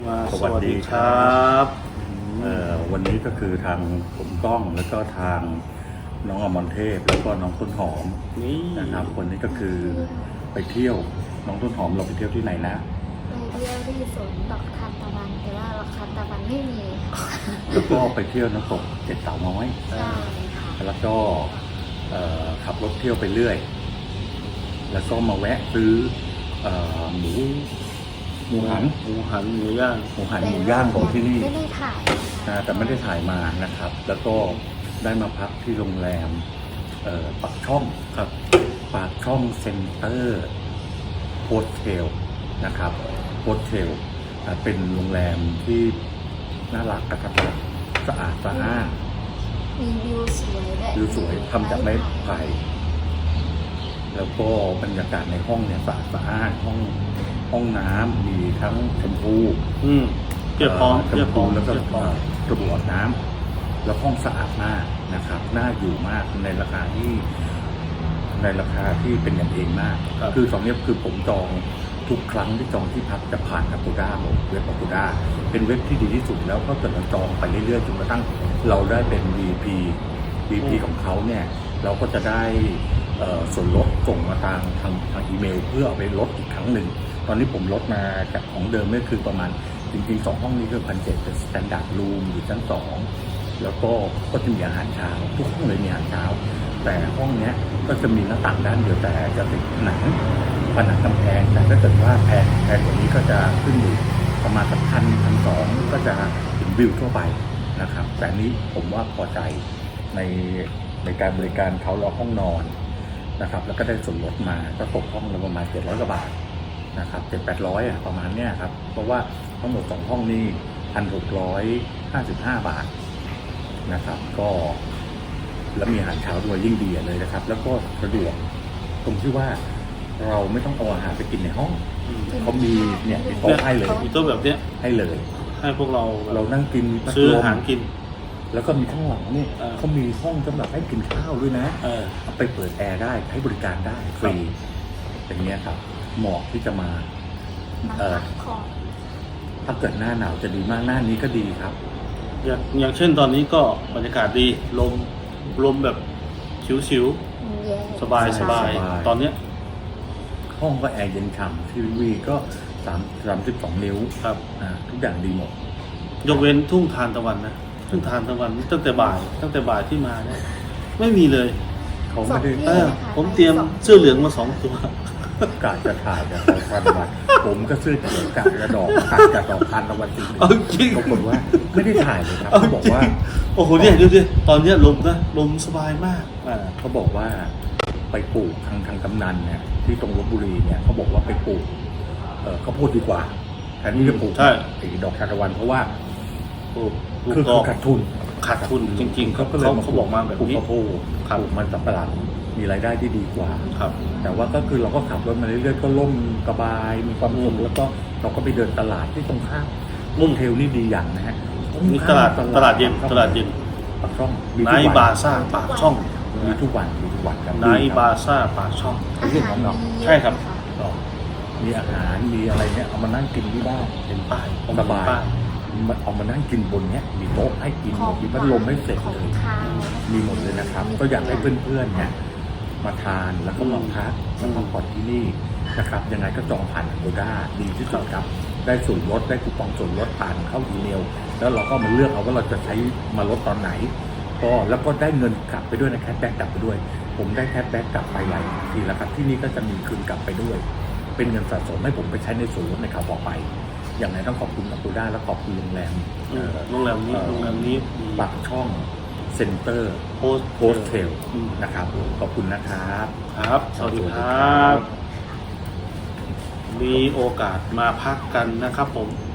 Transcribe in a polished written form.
สวัสดีครับวันนี้ก็คือทางผมก้องแล้วก็ทางน้องอมรเทพแล้วก็น้องต้นหอมนี่นะครับวันนี้ก็คือไปเที่ยวน้องต้นหอมเราไปเที่ยวที่ไหนนะไปเที่ยวที่สวนดอกทานตะวันแต่ว่าดอกทานตะวันไม่มีค่ะแล้วก็ไปเที่ยวน้ำตกเจ็ดเต่าน้อยใช่ค่ะแล้วก็ขับรถเที่ยวไปเรื่อยแล้วก็มาแวะซื้อหมูหันหมูย่างหมูย่างของที่นี่ไม่ได้ถ่ายแต่ไม่ได้ถ่ายมานะครับ แล้วก็ได้มาพักที่โรงแรมปากช่องครับปากช่องเซ็นเตอร์โฮเทลนะครับโฮเทลเป็นโรงแรมที่น่ารักนะครับสะอาดสะอ้านมีวิวสวยด้วยวิวสวยทำจากไม้ไผ่แล้วก็บรรยากาศในห้องเนี่ยสะอาดสะอ้านห้องน้ำมีทั้งแชมพูเพียบพร้อมแล้วก็กระบอกน้ำแล้วห้องสะอาดมากนะครับน่าอยู่มากในราคาที่เป็นอย่างเองมากคือตอนนี้คือผมจองทุกครั้งที่จองที่พักจะผ่าน Agoda หมดเว็บ Agoda เป็นเว็บที่ดีที่สุดแล้วก็เกิดเราจองไปเรื่อยๆจนกระทั่งเราได้เป็น VP ของเขาเนี่ยเราก็จะได้ส่วนลดส่งมาทางอีเมลเพื่อเอาไปลดอีกครั้งหนึ่งตอนนี้ผมลดมาจากของเดิมนี่คือประมาณจริงๆ2ห้องนี้คือ1,700เป็น Standard Room อยู่ชั้น2แล้วก็จะมีอาหารเช้าทุกห้องเลยมีอาหารเช้าแต่ห้องนี้ก็จะมีหน้าต่างด้านเดียวแต่จะติดผนังกำแพงแต่ถ้าเกิดว่าแพงกว่านี้ก็จะขึ้นอยู่ประมาณ1,200ก็จะเห็นวิวทั่วไปนะครับแต่นี้ผมว่าพอใจในการบริการเขารอห้องนอนนะครับแล้วก็ได้ส่วนลดมาก็ตกห้องละประมาณ700 กว่าบาทนะครับ700-800ประมาณเนี้ยครับเพราะว่าทั้งหมด2ห้องนี้1,655 บาทนะครับก็แล้วมีอาหารเช้าด้วยยิ่งดีเลยนะครับแล้วก็สะดวกตรงที่ว่าเราไม่ต้องเอาอาหารไปกินในห้องเขามีเนี่ยมีโต๊ะให้เลยมีโต๊ะแบบเนี้ยให้เลยให้พวกเรานั่งกินซื้ออาหารกินแล้วก็มีข้างหลังนี่เขามีห้องสำหรับให้กินข้าวด้วยนะเอาไปเปิดแอร์ได้ให้บริการได้ฟรีอย่างเงี้ยครับเหมาะที่จะมาถ้าเกิดหน้าหนาวจะดีมากหน้านี้ก็ดีครับอย่างเช่นตอนนี้ก็บรรยากาศดีลมแบบชิวๆสบายตอนเนี้ยห้องก็แอร์เย็นฉ่ำทีวีก็32 นิ้วครับทุกอย่างดีหมดยกเว้นทุ่งทานตะวันนะทุ่งทานตะวันตั้งแต่บ่ายที่มาเนี่ยไม่มีเลยเขาไม่ได้ผมเตรียมเสื้อเหลืองมา2 ตัวกาจะถ่ายจากทานตะวันผมก็เสื้อเขียวกาจะดอกทานตะวันจริงปรากฏว่าไม่ได้ถ่ายเลยครับเขาบอกว่าโอ้โหเนี่ยดูดิตอนนี้ลมสบายมากเขาบอกว่าไปปลูกทางกำนันเนี่ยที่ตรงลพบุรีเนี่ยเขาบอกว่าไปปลูกข้าวโพดดีกว่าแทนที่จะปลูกดอกทานตะวันเพราะว่าคือขาดทุนจริงๆเขาบอกมาแบบนี้ข้าวโพดปลูกมันสำปะหลังมีรายได้ที่ดีกว่าครับแต่ว่าก็คือเราก็ขับรถมาเรื่อยๆก็ล่มสบายมีความสุขแล้วก็เราก็ไปเดินตลาดที่ตรงข้ามมุ่งเทลนี่ดีอย่างนะฮะนี่ตลาดเย็นปากช่องไนท์บาซ่าปากช่องมีทุกวันครับไนท์บาซ่าปากช่องเรื่องของเราใช่ครับมีอาหารมีอะไรเนี่ยเอามานั่งกินที่บ้านเป็นป้ายสบายเอามานั่งกินบนเนี้ยมีโต๊ะให้กินมีพัดลมให้เสร็จเลยมีหมดเลยนะครับก็อยากให้เพื่อนๆเนี่ยมาทานแล้วก็มาพักแล้วก็ผ่อนที่นี่นะครับยังไงก็จองผ่าน Agoda ดีที่สุดครับได้ส่วนลดได้คูปองส่วนลดผ่านเข้าอีเมลแล้วเราก็มาเลือกเอาว่าเราจะใช้มาลดตอนไหนก็แล้วก็ได้เงินกลับไปด้วยนะแคชแบ็กกลับไปด้วยผมได้แคชแบ็กกลับไปหลายทีแล้วครับที่นี่ก็จะมีคืนกลับไปด้วยเป็นเงินสะสมให้ผมไปใช้ในส่วนลดในคราวต่อไปอย่างไรต้องขอบคุณAgodaและขอบคุณโรงแรมนี้ปากช่องเซ็นเตอร์โฮสเทลนะครับขอบคุณนะครับครับสวัสดีครับมีโอกาสมาพักกันนะครับผม